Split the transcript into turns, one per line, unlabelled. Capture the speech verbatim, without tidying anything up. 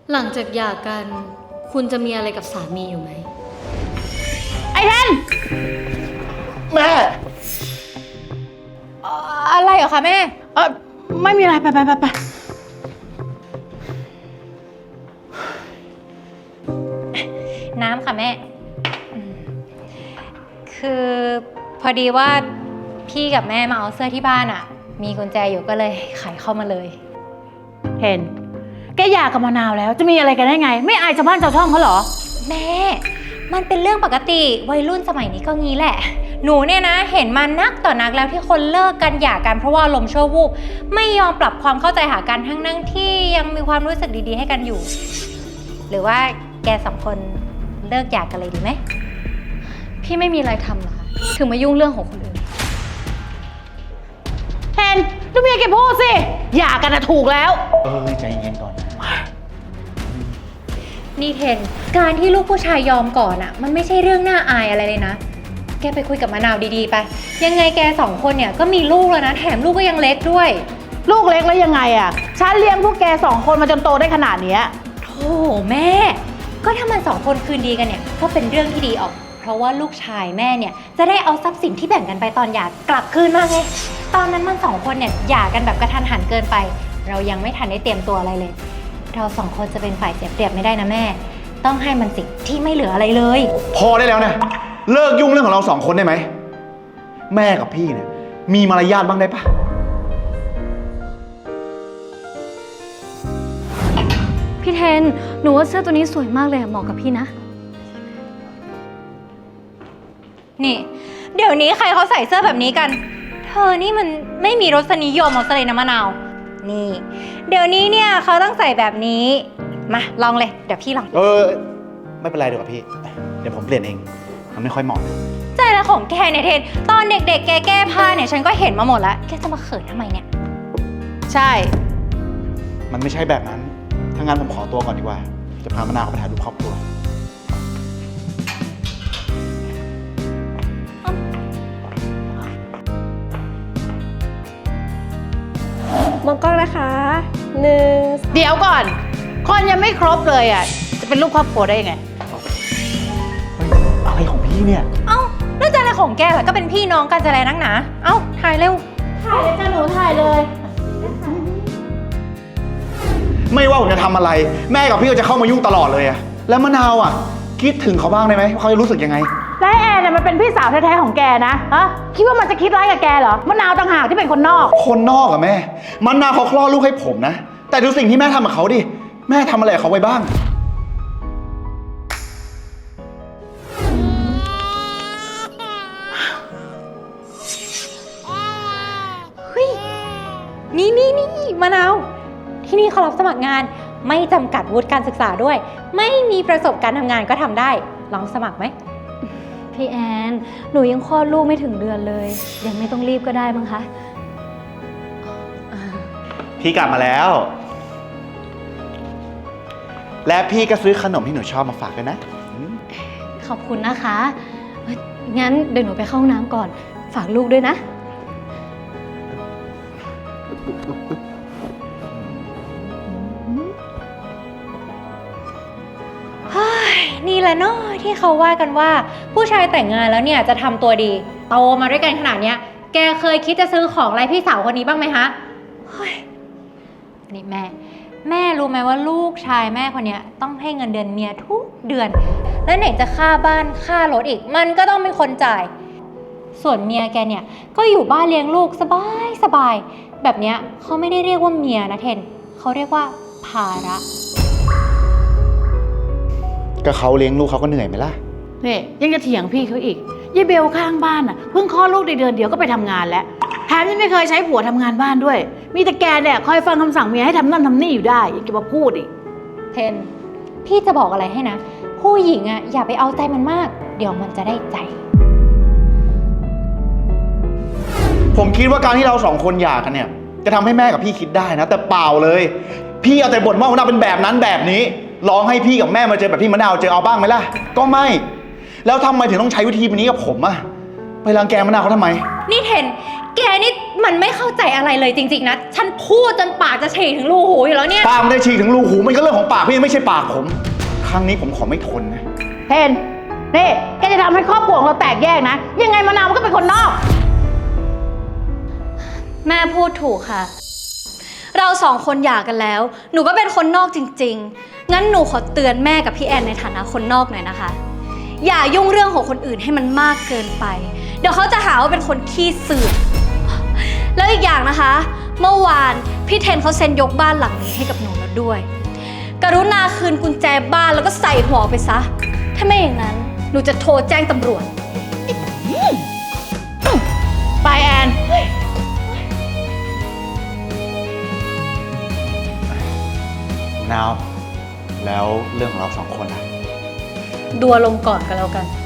หลังจากหย่ากัน คุณจะมีอะไรกับสามีอยู่ไหม
ไอ้เทน
แม่
อะไรเหรอคะแม่
เออไม่มีอะไรไปไปไปไป
น้ำค่ะแม่อืมคือพอดีว่าพี่กับแม่มาเอาเสื้อที่บ้านอะมีกุญแจอยู่ก็เลยไขเข้ามาเลย
เห็นแกหย่ากับมะนาวแล้วจะมีอะไรกันได้ไง ไม่อายชาวบ้านชาวช่องเขาเหรอ
แม่ มันเป็นเรื่องปกติวัยรุ่นสมัยนี้ก็งี้แหละ หนูเนี่ยนะเห็นมานักต่อนักแล้วที่คนเลิกกันหย่ากันเพราะว่าลมณ์ชั่ววูบไม่ยอมปรับความเข้าใจหากันทั้งนั่งที่ยังมีความรู้สึกดีๆให้กันอยู่ หรือว่าแกสองคนเลิกหย่ากันเลยดีไหม
พี่ไม่มีอะไรทำเหรอคะ ถึงมายุ่งเรื่องของคนอื่น
เห็นลูกเมียแกพูดสิหย่ากันนะถูกแล้ว
เออใจเย็นก่อน
นี่เทนการที่ลูกผู้ชายยอมก่อนอะมันไม่ใช่เรื่องน่าอายอะไรเลยนะ แกไปคุยกับมะนาวดีๆไปยังไงแกสองคนเนี่ยก็มีลูกแล้วนะแถมลูกก็ยังเล็กด้วย
ลูกเล็กแล้วยังไงอ่ะฉันเลี้ยงพวกแกสองคนมาจนโตได้ขนาดเนี้ย
โธ่แม่ ก็ถ้ามันสองคนคืนดีกันเนี่ยก็เป็นเรื่องที่ดีออก เพราะว่าลูกชายแม่เนี่ยจะได้เอาทรัพย์สินที่แบ่งกันไปตอนหย่ากลับคืนมาไงตอนนั้นมันสองคนเนี่ยหย่ากันแบบกระทันหันเกินไป เรายังไม่ทันได้เตรียมตัวอะไรเลย เราสองคนจะเป็นฝ่ายเสียเปรียบไม่ได้นะแม่ ต้องให้มันสิทธิ์ที่ไม่เหลืออะไรเลย
พอได้แล้วนะเลิกยุ่งเรื่องของเราสองคนได้ไหมแม่กับพี่เนี่ยมีมารยาทบ้างได้ปะ
พี่เทน หนูว่าเสื้อตัวนี้สวยมากเลยอะเหมาะกับพี่นะ
นี่ เดี๋ยวนี้ใครเขาใส่เสื้อแบบนี้กัน เธอนี่มันไม่มีรสนิยมเอาซะเลยนะมะนาว นี่ เดี๋ยวนี้เนี่ยเขาต้องใส่แบบนี้ มาลองเลย เดี๋ยวพี่ลอง
เออไม่เป็นไรเดี๋ยวกับพี่เดี๋ยวผมเปลี่ยนเองมันไม่ค่อยเหมาะ
ใจละของแกเนี่ยเทน ตอนเด็กๆ แกแก้ผ้าเนี่ยฉันก็เห็นมาหมดแล้ว แกจะมาเขินทำไมเนี่ย
ใช่
มันไม่ใช่แบบนั้นถ้างั้นผมขอตัวก่อนดีกว่าจะพามะนาวไปถ่ายรูปครอบครัว
มองกล้องนะคะหนึ่ง
เดี๋ยวก่อน คนยังไม่ครบเลยอ่ะจะเป็นลูกครอบครัวได้ยังไง
เฮ้ยอะไรของพี่เนี่ย
เอ้าแล้วจะอะไรของแกล่ะก็เป็นพี่น้องกันจะอะไรนักหนา เอ้าถ่ายเร็ว
ถ่ายเลยจ้าหนูถ่ายเลย
ไม่ว่าผมจะทำอะไร แม่กับพี่ก็จะเข้ามายุ่งตลอดเลยอะแล้วมะนาวอะคิดถึงเขาบ้างได้ไหมว่าเขาจะรู้สึกยังไง
และแอนเนี่ยมันเป็นพี่สาวแท้ๆของแกนะฮะคิดว่ามันจะคิดร้ายกับแกเหรอมะนาวต่างหากที่เป็นคนนอก
คนนอกอะแม่มะนาวเขาคลอดลูกให้ผมนะแต่ดูสิ่งที่แม่ทำกับเขาดิแม่ทำอะไรกับเขาไว้บ้าง
นี่นี่นี่มะนาว ที่นี่เขารับสมัครงาน ไม่จำกัดวุฒิการศึกษาด้วย ไม่มีประสบการณ์ทำงานก็ทำได้ ลองสมัครไหม
พี่แอน หนูยังคลอดลูกไม่ถึงเดือนเลย ยังไม่ต้องรีบก็ได้มั้งคะ
พี่กลับมาแล้ว และพี่ก็ซื้อขนมที่หนูชอบมาฝากด้วยนะอืม
ขอบคุณนะคะเอ้ยงั้นเดี๋ยวหนูไปเข้าห้องน้ำก่อน ฝากลูกด้วยนะ
นี่แหละเนาะที่เขาว่ากันว่า ผู้ชายแต่งงานแล้วเนี่ยจะทำตัวดีโตมาด้วยกันขนาดเนี้ย แกเคยคิดจะซื้อของอะไรพี่สาวคนนี้บ้างไหมฮะเฮ้ยนี่แม่ แม่รู้ไหมว่าลูกชายแม่คนเนี้ยต้องให้เงินเดือนเมียทุกเดือน แล้วไหนจะค่าบ้านค่ารถอีก มันก็ต้องเป็นคนจ่าย ส่วนเมียแกเนี่ยก็อยู่บ้านเลี้ยงลูกสบายสบายแบบเนี้ยเขาไม่ได้เรียกว่าเมียนะเทนเขาเรียกว่าภาระ
ก็เขาเลี้ยงลูกเขาก็เหนื่อยไหมล่ะ
นี่ยังจะเถียงพี่เขาอีกยายเบลข้างบ้านอ่ะเพิ่งคลอดลูกได้เดือนเดียวก็ไปทำงานแล้วแถมยังไม่เคยใช้ผัวทำงานบ้านด้วย มีแต่แกเนี่ยคอยฟังคำสั่งเมียให้ทำนั่นทำนี่อยู่ได้ยังจะมาพูดอีก
เทน พี่จะบอกอะไรให้นะ ผู้หญิงอะอย่าไปเอาใจมันมาก เดี๋ยวมันจะได้ใจ
ผมคิดว่าการที่เราสองคนหย่ากันเนี่ยจะทำให้แม่กับพี่คิดได้นะ แต่เปล่าเลย พี่เอาแต่บ่นว่ามะนาวเป็นแบบนั้นแบบนี้ร้องให้พี่กับแม่มาเจอแบบที่มะนาวเจอเอาบ้างไหมล่ะก็ไม่ แล้วทำไมถึงต้องใช้วิธีแบบนี้กับผมอะไปรังแกมะนาวเขาทำไม
นี่เทนแกนี่มันไม่เข้าใจอะไรเลยจริงๆนะ ฉันพูดจนปากจะฉีกถึงรูหูอยู่แล้วเนี่ย
ปากมันได้ฉีกถึงรูหูมันก็เรื่องของปากพี่ไม่ใช่ปากผม ครั้งนี้ผมขอไม่ทนนะ
เพนนี่แกจะทำให้ครอบครัวของเราแตกแยกนะ ยังไงมะนาวมันก็เป็นคนนอก
แม่พูดถูกค่ะ เราสองคนหย่ากันแล้ว หนูก็เป็นคนนอกจริงๆ งั้นหนูขอเตือนแม่กับพี่แอนในฐานะคนนอกหน่อยนะคะ อย่ายุ่งเรื่องของคนอื่นให้มันมากเกินไป เดี๋ยวเขาจะหาว่าเป็นคนขี้เสือกแล้วอีกอย่างนะคะ เมื่อวานพี่เทนเขาเซ็นยกบ้านหลังนี้ให้กับหนูแล้วด้วย กรุณาคืนกุญแจบ้านแล้วก็ใส่หัวไปซะ ถ้าไม่อย่างนั้นหนูจะโทรแจ้งตำรวจ
ไปแอน
นาว แล้วเรื่องของเราสองคนอะ
ดูอารมณ์ก่อนก็แล้วกัน